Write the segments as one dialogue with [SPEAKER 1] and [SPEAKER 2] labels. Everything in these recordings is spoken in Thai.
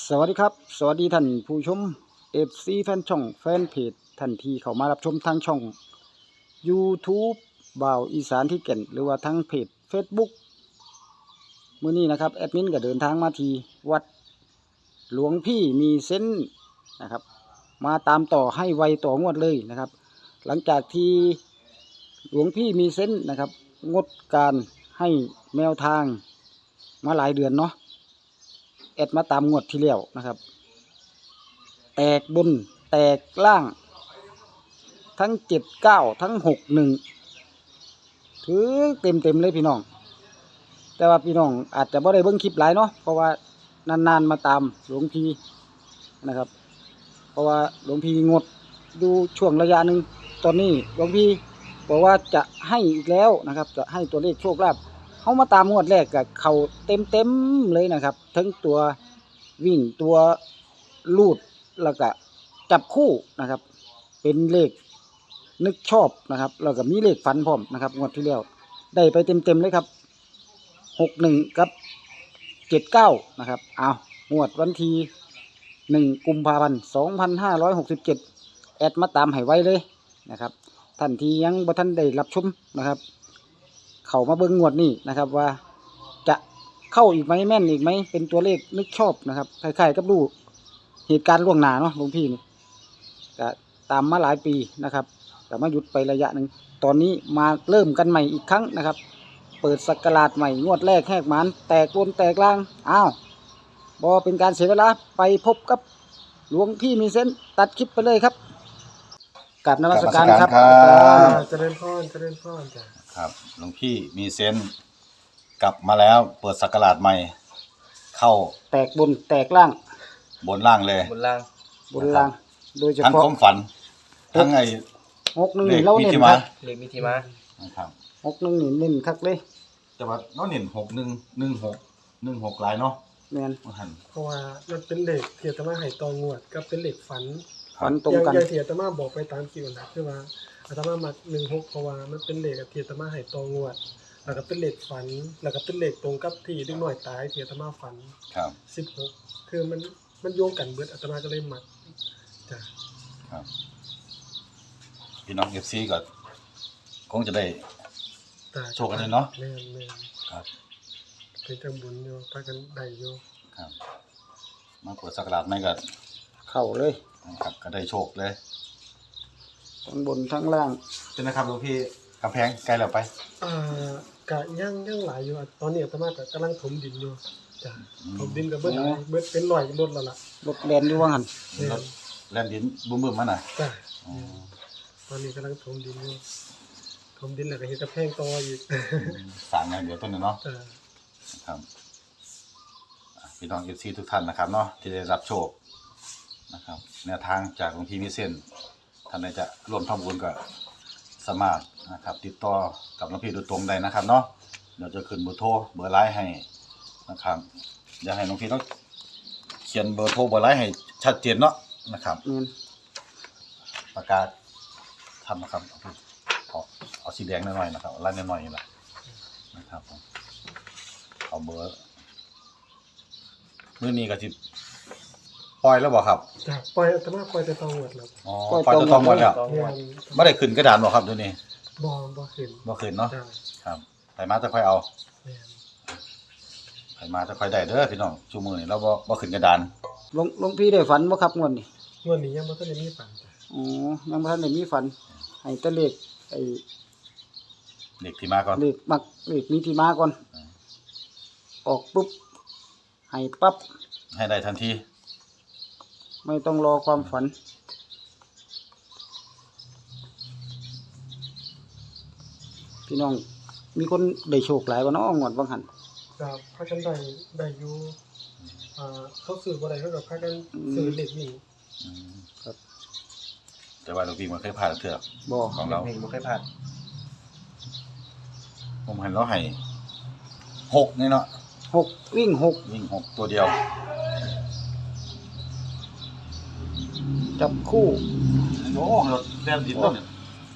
[SPEAKER 1] สวัสดีครับสวัสดีท่านผู้ชม FC แฟนช่องแฟนเพจท่านที่เข้ามารับชมทางช่อง YouTube บ่าวอีสานที่เก่นหรือว่าทางเพจ Facebook มื้อนี้นะครับแอดมินก็เดินทางมาที่วัดหลวงพี่มีเส้นนะครับมาตามต่อให้ไวต่องวดเลยนะครับหลังจากที่หลวงพี่มีเส้นนะครับงดการให้แนวทางมาหลายเดือนเนาะแอดมาตามงวดที่แล้วนะครับแตกบนแตกล่างทั้ง79ทั้ง61ถือเต็มเลยพี่น้องแต่ว่าพี่น้องอาจจะไม่ได้เบิ่งคลิปหลายเนาะเพราะว่านานๆมาตามหลวงพี่นะครับเพราะว่าหลวงพี่งดดูช่วงระยะหนึ่งตอนนี้หลวงพี่บอกว่าจะให้อีกแล้วนะครับจะให้ตัวเลขโชคลาภเขามาตามงวดแรกกับเขาเต็มเลยนะครับทั้งตัววิ่งตัวลูดแล้วก็จับคู่นะครับเป็นเลขนึกชอบนะครับแล้วก็มีเลขฝันพร้อมนะครับงวดที่แล้วได้ไปเต็มเลยครับ61กับ79นะครับเอางวดวันที่1 กุมภาพันธ์ 2567แอดมาตามให้ไว้เลยนะครับท่านที่ยังบ่ทันได้รับชมนะครับเข้ามาเบิ่งงวดนี้นะครับว่าจะเข้าอีกไหมแม่นอีกไหมเป็นตัวเลขนึกชอบนะครับคล้ายๆกับดูเหตุการณ์ล่วงหน้าเนาะหลวงพี่นี่ก็ตามมาหลายปีนะครับแต่มาหยุดไประยะหนึ่งตอนนี้มาเริ่มกันใหม่อีกครั้งนะครับเปิดศักราชใหม่งวดแรกแหกหมานแตกบนแตกล่างอ้าวบอเป็นการเสียเวลาไปพบกับหลวงพี่มีเส้นตัดคลิปไปเลยครับกราบนมัสการครับ
[SPEAKER 2] เจริญพรจ้ะ
[SPEAKER 3] ครับหลวงพี่มีเซนส์กลับมาแล้วเปิดศักราชใหม่ เข้า
[SPEAKER 1] แตกบนแตกล่าง
[SPEAKER 3] บนล่างเลย
[SPEAKER 2] บนล่าง
[SPEAKER 1] บนล่างโดยเฉ
[SPEAKER 3] ทั้ง
[SPEAKER 1] พาะ
[SPEAKER 3] ความฝัน ทั้งไอ้
[SPEAKER 1] 61
[SPEAKER 3] เล
[SPEAKER 1] นี่
[SPEAKER 3] ข
[SPEAKER 1] เรา
[SPEAKER 3] มิ
[SPEAKER 1] เน้น
[SPEAKER 3] ถิ
[SPEAKER 1] ค
[SPEAKER 3] มา
[SPEAKER 1] รับ
[SPEAKER 2] เลขมิถิมา
[SPEAKER 3] นะครับ
[SPEAKER 1] 61นี่เน้นคักเลย
[SPEAKER 3] แต่ว่าน้องเน้น6116หลายเนาะ
[SPEAKER 1] แม่น
[SPEAKER 3] ว่าหั่น
[SPEAKER 2] เพราะว่ามันเป็นเลขเทียตมาให้ตองวดกับเป็นเลขฝัน
[SPEAKER 1] ฝันตรงกัน
[SPEAKER 2] อย่างเทียตมาบอกไปตามคิวนะคือว่าอาตมามัก16เพราะว่ามันเป็นเลขเทียตมาให้ตองวดแล้วก็เป็นเลขฝันแล้วก็เป็นเลขตรงกับที่เด็กน้อยตายเทียตมาฝัน
[SPEAKER 3] ครับ
[SPEAKER 2] 16คือมันโยงกันเบิดอาตมาก็เลยมักจ้ะ
[SPEAKER 3] ครับพี่น้อง FC ก็คงจะได้
[SPEAKER 2] จ้ะ
[SPEAKER 3] โชคกันเลยเนาะ
[SPEAKER 2] แม่น
[SPEAKER 3] ครับ
[SPEAKER 2] เป็นจังบุญอยู่พากันได้อยู่
[SPEAKER 3] ครับ มาเปิดศักราชใหม่ก็
[SPEAKER 1] เข้าเลย
[SPEAKER 3] นะครับก็ได้โชคเลย
[SPEAKER 1] ทั้งบนทั้งล่าง
[SPEAKER 3] เป็นนะครับหลวงพี่กำแพงใกล้แล้วไป
[SPEAKER 2] กะยังหลายอยู่อะตอนนี้อาตมาก็กำลังถมดินอยู่จ้ะถมดินกับเบิดอะไรเบิดเป็นร้อยรถแล้วล่ะ
[SPEAKER 1] รถแลนอยู่ว่างั้น
[SPEAKER 2] เนี่ย
[SPEAKER 3] รถแล่นดินบึ้มๆมาน่ะ
[SPEAKER 2] จ้ะ
[SPEAKER 3] อ๋อ
[SPEAKER 2] ตอนนี้กำลังถมดินอยู่ถมดินแล้วก็เฮ็ดกระแพงต่ออีก
[SPEAKER 3] สร้างอย่างเดียวต้นเนาะ
[SPEAKER 2] จ้ะ
[SPEAKER 3] ครับพี่น้อง FC ทุกท่านนะครับเนาะที่ได้รับโชคนะครับแนวทางจากหลวงพี่มิเส้นท่านใดจะร่วมทำบุญก็สามารถนะครับติดต่อกับหลวงพี่โดยตรงได้นะครับเนาะเดี๋ยวจะขึ้นเบอร์โทรเบอร์ไลน์ให้นะครับอยากให้หลวงพี่ต้องเขียนเบอร์โทรเบอร์ไลน์ให้ชัดเจนเนาะนะครับ
[SPEAKER 1] แม่น
[SPEAKER 3] ประกาศทำนะครับเอาสีแดงหน่อยๆนะครับเอาไล่หน่อยๆนี่แหละนะครับผมเอาเบอร์มื้อนี้ก็สิปล่อยแล้วบ่ครับ
[SPEAKER 2] จ้ะปล่อยอาตมาปล่อยแต่ตองวดแล้ว
[SPEAKER 3] อ๋อปล่อยตัวทองหมดแล้ว
[SPEAKER 2] เนี่ย
[SPEAKER 3] ไม่ได้ขึ้นกระดานบ่ครับเดี๋ยวนี้
[SPEAKER 2] บ่ขึ้น
[SPEAKER 3] บ่ขึ้นเนาะ
[SPEAKER 2] จ้ะ
[SPEAKER 3] ครับไปมาจะค่อยเอา
[SPEAKER 2] เนี่ย
[SPEAKER 3] ไปมาจะค่อยได้เด้อพี่น้องชูมือนี่เราบ่ขึ้นกระดาน
[SPEAKER 1] หลวงพี่ได้ฝันบ่ครับงวดนี้
[SPEAKER 2] งวดนี้ยังบ่ทันได้มีฝันจ้ะ
[SPEAKER 1] อ๋อยังบ่ทันได้มีฝันให้แต่เลขไอ้
[SPEAKER 3] เด็กที่มาก่อน
[SPEAKER 1] เลขมักเลขมีที่มาก่อนออกปุ๊บให้ปั๊บ
[SPEAKER 3] ให้ได้ทันที
[SPEAKER 1] ไม่ต้องรอความฝันพี่น้องมีคนได้โชคหลายบ่เนาะงวดบางหัน
[SPEAKER 2] จ้ะพากันได้อยู่เขาซื้อบ่ได้เขาก็พากันซื้อเลขนี่
[SPEAKER 3] อืมครับแต่ว่าหลวงพี่มันเคยผ่านเถื่อ
[SPEAKER 1] บ่
[SPEAKER 3] ของเรา
[SPEAKER 2] บ่เคยผ่าน
[SPEAKER 3] ผมเห็นเราให้6นี่เนาะ
[SPEAKER 1] 6วิ่ง6
[SPEAKER 3] วิ่ง6ตัวเดียว
[SPEAKER 1] จับคู่
[SPEAKER 3] โอ้รถแล่นดินต้นเนี่ย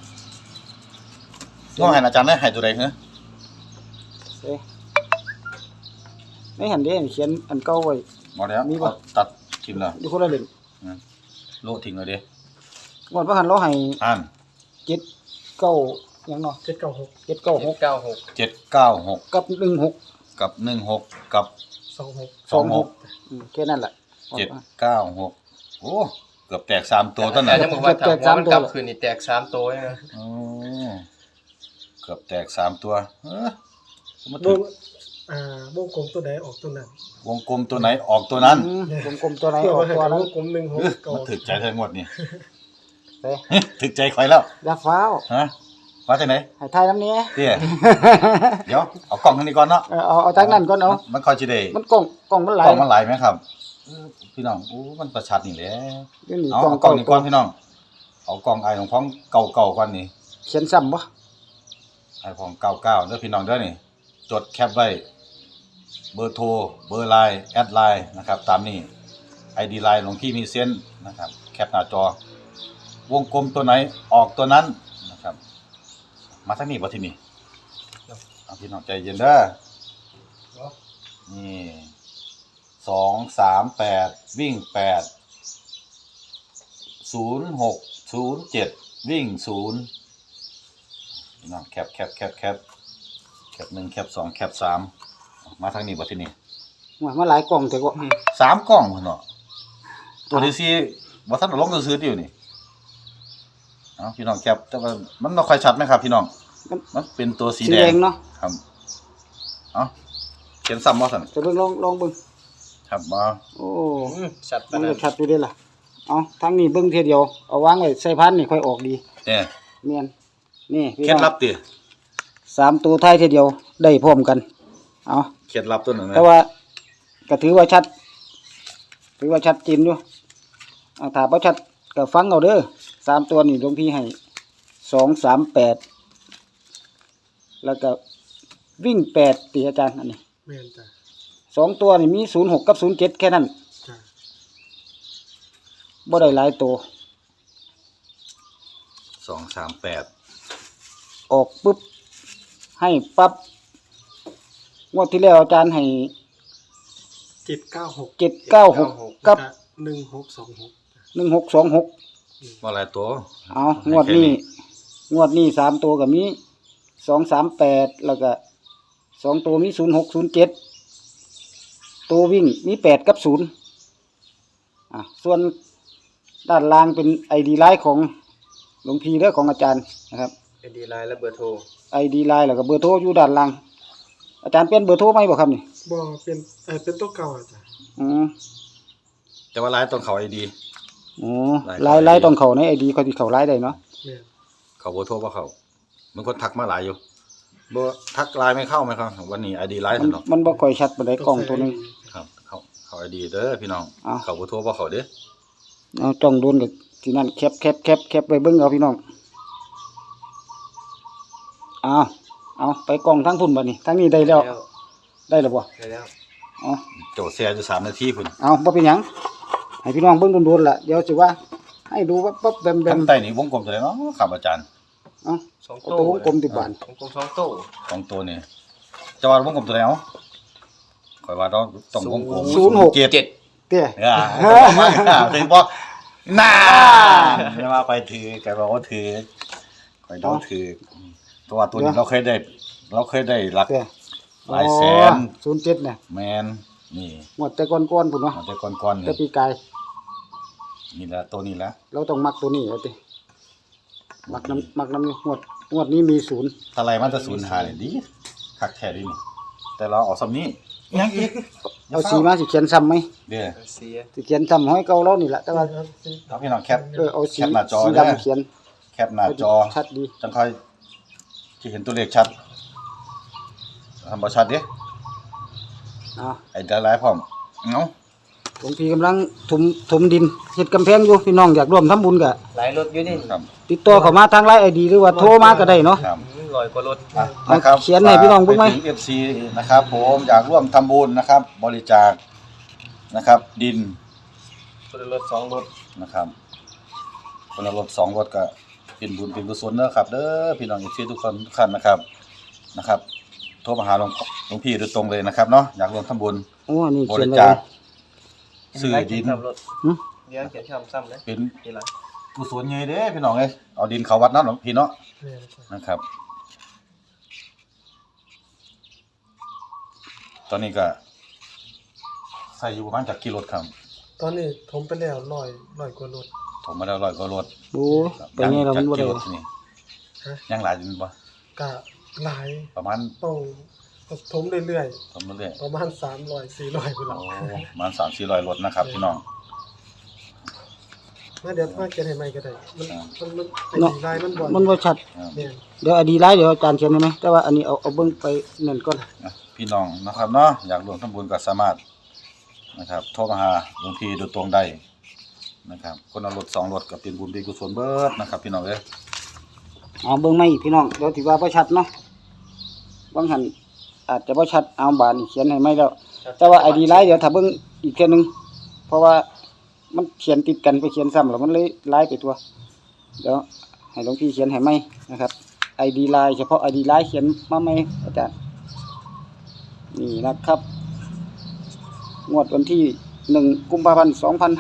[SPEAKER 3] น้องให้อาจารย์ได้ให้ตัวใดเหรอ
[SPEAKER 1] เอ๊ะไม่หันเด้เขียนอันเก่าไว้
[SPEAKER 3] บ่แล้ว
[SPEAKER 1] มีบ่
[SPEAKER 3] เขาตัดทิ้งแล้ว
[SPEAKER 1] อยู่คนละเล่ม
[SPEAKER 3] โละทิ้งเลยเด้
[SPEAKER 1] งวดว่าหันเราให้
[SPEAKER 3] อ่าน
[SPEAKER 1] 7 9หยังเนาะ
[SPEAKER 2] 796
[SPEAKER 1] 796
[SPEAKER 3] 796
[SPEAKER 1] กับ16
[SPEAKER 3] กับ16กับ
[SPEAKER 2] 26
[SPEAKER 1] แค่นั้นแหละ
[SPEAKER 3] 796โอ้เกือบแตก3ตัวต้น
[SPEAKER 4] แต่
[SPEAKER 3] น่ะ
[SPEAKER 4] ยังบอกว่าถ้า
[SPEAKER 1] แตก
[SPEAKER 4] หัวมัน
[SPEAKER 1] 3ตัว
[SPEAKER 4] กลับคืนนี่แตก3ตัวนะ
[SPEAKER 3] โอ้เกือบแตก3ตัวมา
[SPEAKER 2] ว
[SPEAKER 3] ถึ
[SPEAKER 2] ง
[SPEAKER 3] ง
[SPEAKER 2] วงกลมตัวใดออกตัวนั้น
[SPEAKER 3] วงกลมตัวไหนออกตัวนั้น
[SPEAKER 1] กลมๆตัวไหนออกตัว
[SPEAKER 2] ว
[SPEAKER 1] นั้น
[SPEAKER 2] งกลม16ก่อ
[SPEAKER 3] มาน ถึกใจทั้งหมดนี่
[SPEAKER 1] เฮ้ย
[SPEAKER 3] ถึกใจข่อยแล้ว
[SPEAKER 1] อย่าฟ้าว
[SPEAKER 3] ฮะว่าจังไหน
[SPEAKER 1] ให้ทายน้ำนี้
[SPEAKER 3] เตี้ยเดี๋ยวเอากล้องทางนี้ก่อนเนาะ
[SPEAKER 1] เอาจากนั้นก่อนเอา
[SPEAKER 3] มันค่อยสิได้
[SPEAKER 1] มันกล่องมันไหล
[SPEAKER 3] กล้องมันหลายไหมครับพี่น้องโอ้มันประชัดนี่แหละ
[SPEAKER 1] เดี๋ยวนี้
[SPEAKER 3] เอา
[SPEAKER 1] กล่อง
[SPEAKER 3] กล้องนี่ก่อนพี่น้องเอากล้องไอ้ของพ้องเก่าๆก่อนนี่
[SPEAKER 1] เขียนซ้ำบ่
[SPEAKER 3] ไอ้ของเก่าๆเด้อพี่น้องเด้อนี่จดแคปไว้เบอร์โทรเบอร์ไลน์แอดไลน์นะครับตามนี้ ID ไลน์หลวงพี่มีเส้นนะครับแคปหน้าจอวงกลมตัวไหนออกตัวนั้นนะครับมาทางนี้บ่ที่นี่เอาพี่น้องใจเย็นเด้อนี่238วิ่ง8 0607วิ่ง0พี่น้องแคป1แคป2แคป3มาทางนี้บ่ที่นี่
[SPEAKER 1] ว่ามาหลายกล่องแต่ก็
[SPEAKER 3] 3กล้องพุ่นเนาะตัวที่สี่บ่ทันได้ลงซื้อๆอยู่นี่เอาพี่น้องแคปแต่ว่ามันบ่ค่อยชัดไหมครับพี่น้องมันเป็นตัวสี
[SPEAKER 1] สี
[SPEAKER 3] แด
[SPEAKER 1] แด
[SPEAKER 3] ง
[SPEAKER 1] งเนาะ
[SPEAKER 3] ครับเอาเขียนซ้ำบ่ซั่น
[SPEAKER 1] จะเบิ่งลองเบิ่ง
[SPEAKER 3] ครับบ่
[SPEAKER 1] โอ้
[SPEAKER 4] ชัด
[SPEAKER 1] มั
[SPEAKER 4] ปาน น
[SPEAKER 1] ก็
[SPEAKER 4] นั้น
[SPEAKER 1] ชัดอยู่เด้ล่ะเอาทางนี้เบิ่งเทียเดียวเอาวางไว้ใส่พันนี่ค่อยออกดี
[SPEAKER 3] เด้
[SPEAKER 1] แม่นนี่พี่
[SPEAKER 3] เคล็ด
[SPEAKER 1] น้อง
[SPEAKER 3] ลับติ
[SPEAKER 1] 3ตัวท้ายเทียเดียวได้พร้อมกันเอา
[SPEAKER 3] เคล็ดลับตัวนั้นนะ
[SPEAKER 1] แต่ว่าก็ถือว่าชัดเจนอยู่ถ้าบ่ชัดก็ฟังเอาเด้อ3ตัวนี่หลวงพี่ให้238แล้วก็วิ่ง8ติอาจารย์อันนี้
[SPEAKER 2] แม่นจ้ะ
[SPEAKER 1] 2ตัวนี่มี06กับ07แค่นั้น
[SPEAKER 2] จ้ะ
[SPEAKER 1] บ่ได้หลายตัว
[SPEAKER 3] 238
[SPEAKER 1] ออกปุ๊บให้ปั๊บงวดที่แล้วอาจารย์ให้
[SPEAKER 2] 796
[SPEAKER 1] 796กับ
[SPEAKER 2] 1626
[SPEAKER 1] 1626
[SPEAKER 3] บ่หลายตัว
[SPEAKER 1] เอางวดนี้3ตัวก็มี238แล้วก็2ตัวมี0607ตัววิ่งมี8กับ0ส่วนด้านล่างเป็น ID ไลน์ของหลวงพี่เด้อของอาจารย์นะครับ
[SPEAKER 4] ID ไลน์และเบอร์โทร
[SPEAKER 1] ID ไลน์แล้วก็เบอร์โทรอยู่ด้านล่างอาจารย์เปลี่ยนเบอร์โทรไหมบ่ครับนี่
[SPEAKER 2] บ่เป็นตัวเก่าอะจ้ะ
[SPEAKER 1] อืม
[SPEAKER 3] แต่ว่าหลายต้องเข้า ID
[SPEAKER 1] อ๋อ
[SPEAKER 3] ไลน์
[SPEAKER 1] ไลน์ต้องเข้าใน ID เขาสิเข้าไลน์ได้เนาะ
[SPEAKER 2] แม่น
[SPEAKER 3] เขาบ่โทรบ่เข้ามันคนทักมาหลายอยู่บ่ทักไลน์ไม่เข้าไหมครับวันนี้ ID ไลน์
[SPEAKER 1] มัน
[SPEAKER 3] ซั่นเนาะ
[SPEAKER 1] มันบ่ค่อยชัดปานใดกล้องตัวหนึง
[SPEAKER 3] ครับเข้า ID เด้อพี่น้อง
[SPEAKER 1] อ้าว
[SPEAKER 3] เขาบ่โทรบ่เข้าเด้อ
[SPEAKER 1] เอาจ้องโดนกับที่นั่นแคปไว้เบิ่งเอาพี่น้องเอาไปกล้องทั้งพุ่นบัดนี้ทั้งนี้ได้แล้วได้แล้วบ่
[SPEAKER 4] ได้แล้ว
[SPEAKER 1] เอา
[SPEAKER 3] โจทย์แชร์อยู่3นาทีพุ่น
[SPEAKER 1] เอาบ่เป็นหยังให้พี่น้องเบิ่งโดนๆล่ะเดี๋ยวสิว่าให้ดูว่าปั๊บแบม
[SPEAKER 3] ข้างใต้นี่วงกลมตัวไหนเนาะครับอาจารย์
[SPEAKER 1] เอา
[SPEAKER 4] สอง
[SPEAKER 1] เอา
[SPEAKER 4] โต้
[SPEAKER 1] ตัววงกลมติดบาน
[SPEAKER 4] วงกลม2โต้
[SPEAKER 3] ของตัวนี่จะว่าวงกลมตัวไหนเอ้าข่อยว่าต้องวงกลม
[SPEAKER 1] 06
[SPEAKER 3] 7
[SPEAKER 4] 7
[SPEAKER 1] เตี้ย
[SPEAKER 3] ถึงบอกน่าไม่ว่าไปถือแกบอกว่าถือคอยโดนถือตัวนี้เราเคยได้หลัก
[SPEAKER 1] เตี้ย
[SPEAKER 3] หลายแสน
[SPEAKER 1] 07เนี่ย
[SPEAKER 3] แมนนี่
[SPEAKER 1] งวดแต่ก่อนๆพุ่นเนาะ
[SPEAKER 3] มันแต่ก่อนๆ
[SPEAKER 1] แต่
[SPEAKER 3] นี่
[SPEAKER 1] ปีกาย
[SPEAKER 3] นี่แหละตัวนี้แหละ
[SPEAKER 1] เราต้องมักตัวนี้เอาติมักน้ำนี่งวดนี้มี0
[SPEAKER 3] ถ้าไรมันจะสูญหายดีคักแท้ดีนี่แต่เราเอาซ้ำนี้ยังอีก
[SPEAKER 1] เอาสีมาสิเขียนซ้ำไหม
[SPEAKER 3] เด้อ
[SPEAKER 4] เสีย
[SPEAKER 1] สิเขียนซ้ำห้อยเก่าเรานี่แหละแต่ว่า
[SPEAKER 3] เอาพี่น้องแคป
[SPEAKER 1] เอาสี
[SPEAKER 3] แคปหน้าจอ
[SPEAKER 1] สี
[SPEAKER 3] เด้อ
[SPEAKER 1] ดำเขียน
[SPEAKER 3] แคปหน้าจอ
[SPEAKER 1] ชัดดี
[SPEAKER 3] จังค่อยที่เห็นตัวเลขชัดทำบ่ชัดเด้
[SPEAKER 1] อ่า
[SPEAKER 3] ไอ้หลายๆพร้อมเอ้า
[SPEAKER 1] หลวงพี่กำลังถมดินเฮ็ดกำแพงอยู่พี่น้องอยากร่วมทำบุญก็
[SPEAKER 4] หลายรถอยู่นี่
[SPEAKER 3] ครับ
[SPEAKER 1] ติดต่อเข้ามาทางไลน์ ID หรือว่าโทรมาก็ได้เนาะ
[SPEAKER 3] ครับ
[SPEAKER 4] 100กว่ารถ
[SPEAKER 3] อ่ะนะครับ
[SPEAKER 1] เขียนให้พี่น้องเบิ่งไหม
[SPEAKER 3] ปถึ FC นะครับผมอยากร่วมทำบุญนะครับ บริจาคนะครับ ดิน
[SPEAKER 4] คนละรถ2รถ
[SPEAKER 3] นะครับคนละรถ2รถก็เป็นบุญเป็นกุศลเด้อครับเด้อพี่น้อง FC ทุกคนทุกท่านนะครับโทรมาหาหลวงพี่โดยตรงเลยนะครับเนาะอยากร่วมทำบุญ
[SPEAKER 1] โอ้นี่
[SPEAKER 3] บ
[SPEAKER 1] เขียน
[SPEAKER 3] ริ
[SPEAKER 1] ไว้
[SPEAKER 3] จาคซื้อดิน
[SPEAKER 4] ซ้ำรถ
[SPEAKER 1] หึ
[SPEAKER 4] เดี๋ยวเขียนซ้ำเลย
[SPEAKER 3] เป็น
[SPEAKER 4] ทีหลัง
[SPEAKER 3] กุศลใหญ่เด้พี่น้องเอ้ยเอาดินเข้าวัดเนาะหลวงพี่เนาะ
[SPEAKER 2] แม่นจ้ะ
[SPEAKER 3] นะครับ ตอนนี้ก็ใส่อยู่ประมาณจากกิโลครับ
[SPEAKER 2] ตอนนี้ถมไปแล้ว100กว่ารถ
[SPEAKER 3] ผมมาแล้ว100กว่ารถ
[SPEAKER 1] โอ้ไปไงเรา
[SPEAKER 3] จา
[SPEAKER 1] มั
[SPEAKER 3] ก
[SPEAKER 1] นบ่
[SPEAKER 3] กิ
[SPEAKER 1] ได้
[SPEAKER 3] โลที่นี่
[SPEAKER 2] ฮะ
[SPEAKER 3] ยังหลายอยู่บ่
[SPEAKER 2] ก็หลาย
[SPEAKER 3] ประมาณ
[SPEAKER 2] ต้องถมเรื่อย
[SPEAKER 3] ทำเรื่อย
[SPEAKER 2] ๆประมาณ300 400พุ่น
[SPEAKER 3] ๆ
[SPEAKER 2] ล่ะ
[SPEAKER 3] โอ้ประมาณ3-400รถนะครับพี่น้อง
[SPEAKER 2] มาเดี๋ยวมาเขียนให้ใหม่ก็ได้มันไอ้
[SPEAKER 1] เนาะ
[SPEAKER 2] ดีไลน์มันบ่
[SPEAKER 1] มันบ่ชัด
[SPEAKER 2] แม่น
[SPEAKER 1] เดี๋ยวอดีไลน์เดี๋ยวอาจารย์เขียนได้ไหมแต่ว่าอันนี้เอาเบิ่งไปนั่นก่อน
[SPEAKER 3] อ่ะพี่น้องนะครับเนาะอยากร่วมทำบุญก็สามารถนะครับโทรมาหาหลวงพี่โดยตรงได้นะครับคนเอารถ2รถก็เป็นบุญเป็นกุศลเบิดนะครับพี่น้องเอ้ย
[SPEAKER 1] เอาเบิ่งใหม่อีกพี่น้องเดี๋ยวสิว่าบ่ชัดเนาะบางหันอาจจะบ่ชัดเอาบาดนี่เขียนให้ใหม่แล้ว แต่ว่า ID ไลน์เดี๋ยวถ้าเบิ่งอีกเทื่อนึงเพราะว่ามันเขียนติดกันไปเขียนซ้ำแล้วมันเลยไลน์ไปตัวเดี๋ยวให้หลวงพี่เขียนให้ใหม่นะครับ ID ไลน์เฉพาะ ID ไลน์เขียนมาใหม่อาจารย์นี่นะครับงวดวันที่1กุมภาพันธ์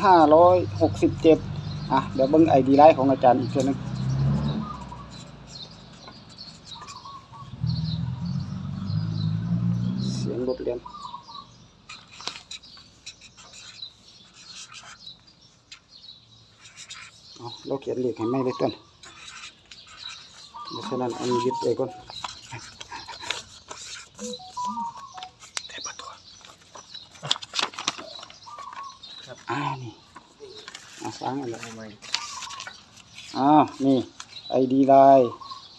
[SPEAKER 1] 2567อ่ะเดี๋ยวเบิ่ง ID ไลน์ของอาจารย์อีกเทื่อนึงเสียงรถเรียน เราเขียนเลขให้ไม่เลยต้นเพราะฉะนั้นอันนี้ยึดไปก่อนนี่ฟังอันละ
[SPEAKER 4] ทำไม
[SPEAKER 1] นี่ ID ไลน์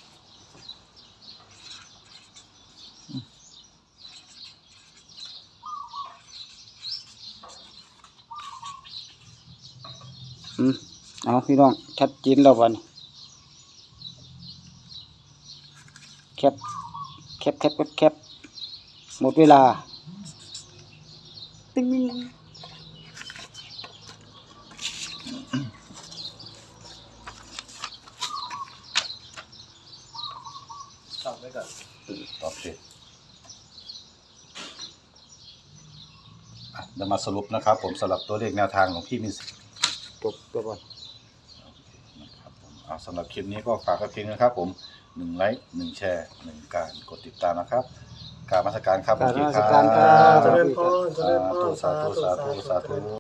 [SPEAKER 1] เอาพี่น้องชัดเจนแล้ววันแคปหมดเวลาติ๊ง
[SPEAKER 4] ซ้ำไว้ก่อน
[SPEAKER 3] โอเคอ่ะเดี๋ยวมาสรุปนะครับ ผมสำหรับตัวเลขแนวทางของพี่มิส
[SPEAKER 1] จบตัวก่อน
[SPEAKER 3] นะครับผมเอาสำหรับคลิปนี้ก็ฝากไว้เพียงนะครับ ผม1ไลค์1แชร์1การกดติดตามนะครับกราบนมัสการครับ
[SPEAKER 1] กราบนมัสการครับ
[SPEAKER 2] เจริญพร
[SPEAKER 3] สาธุสาธุสาธุ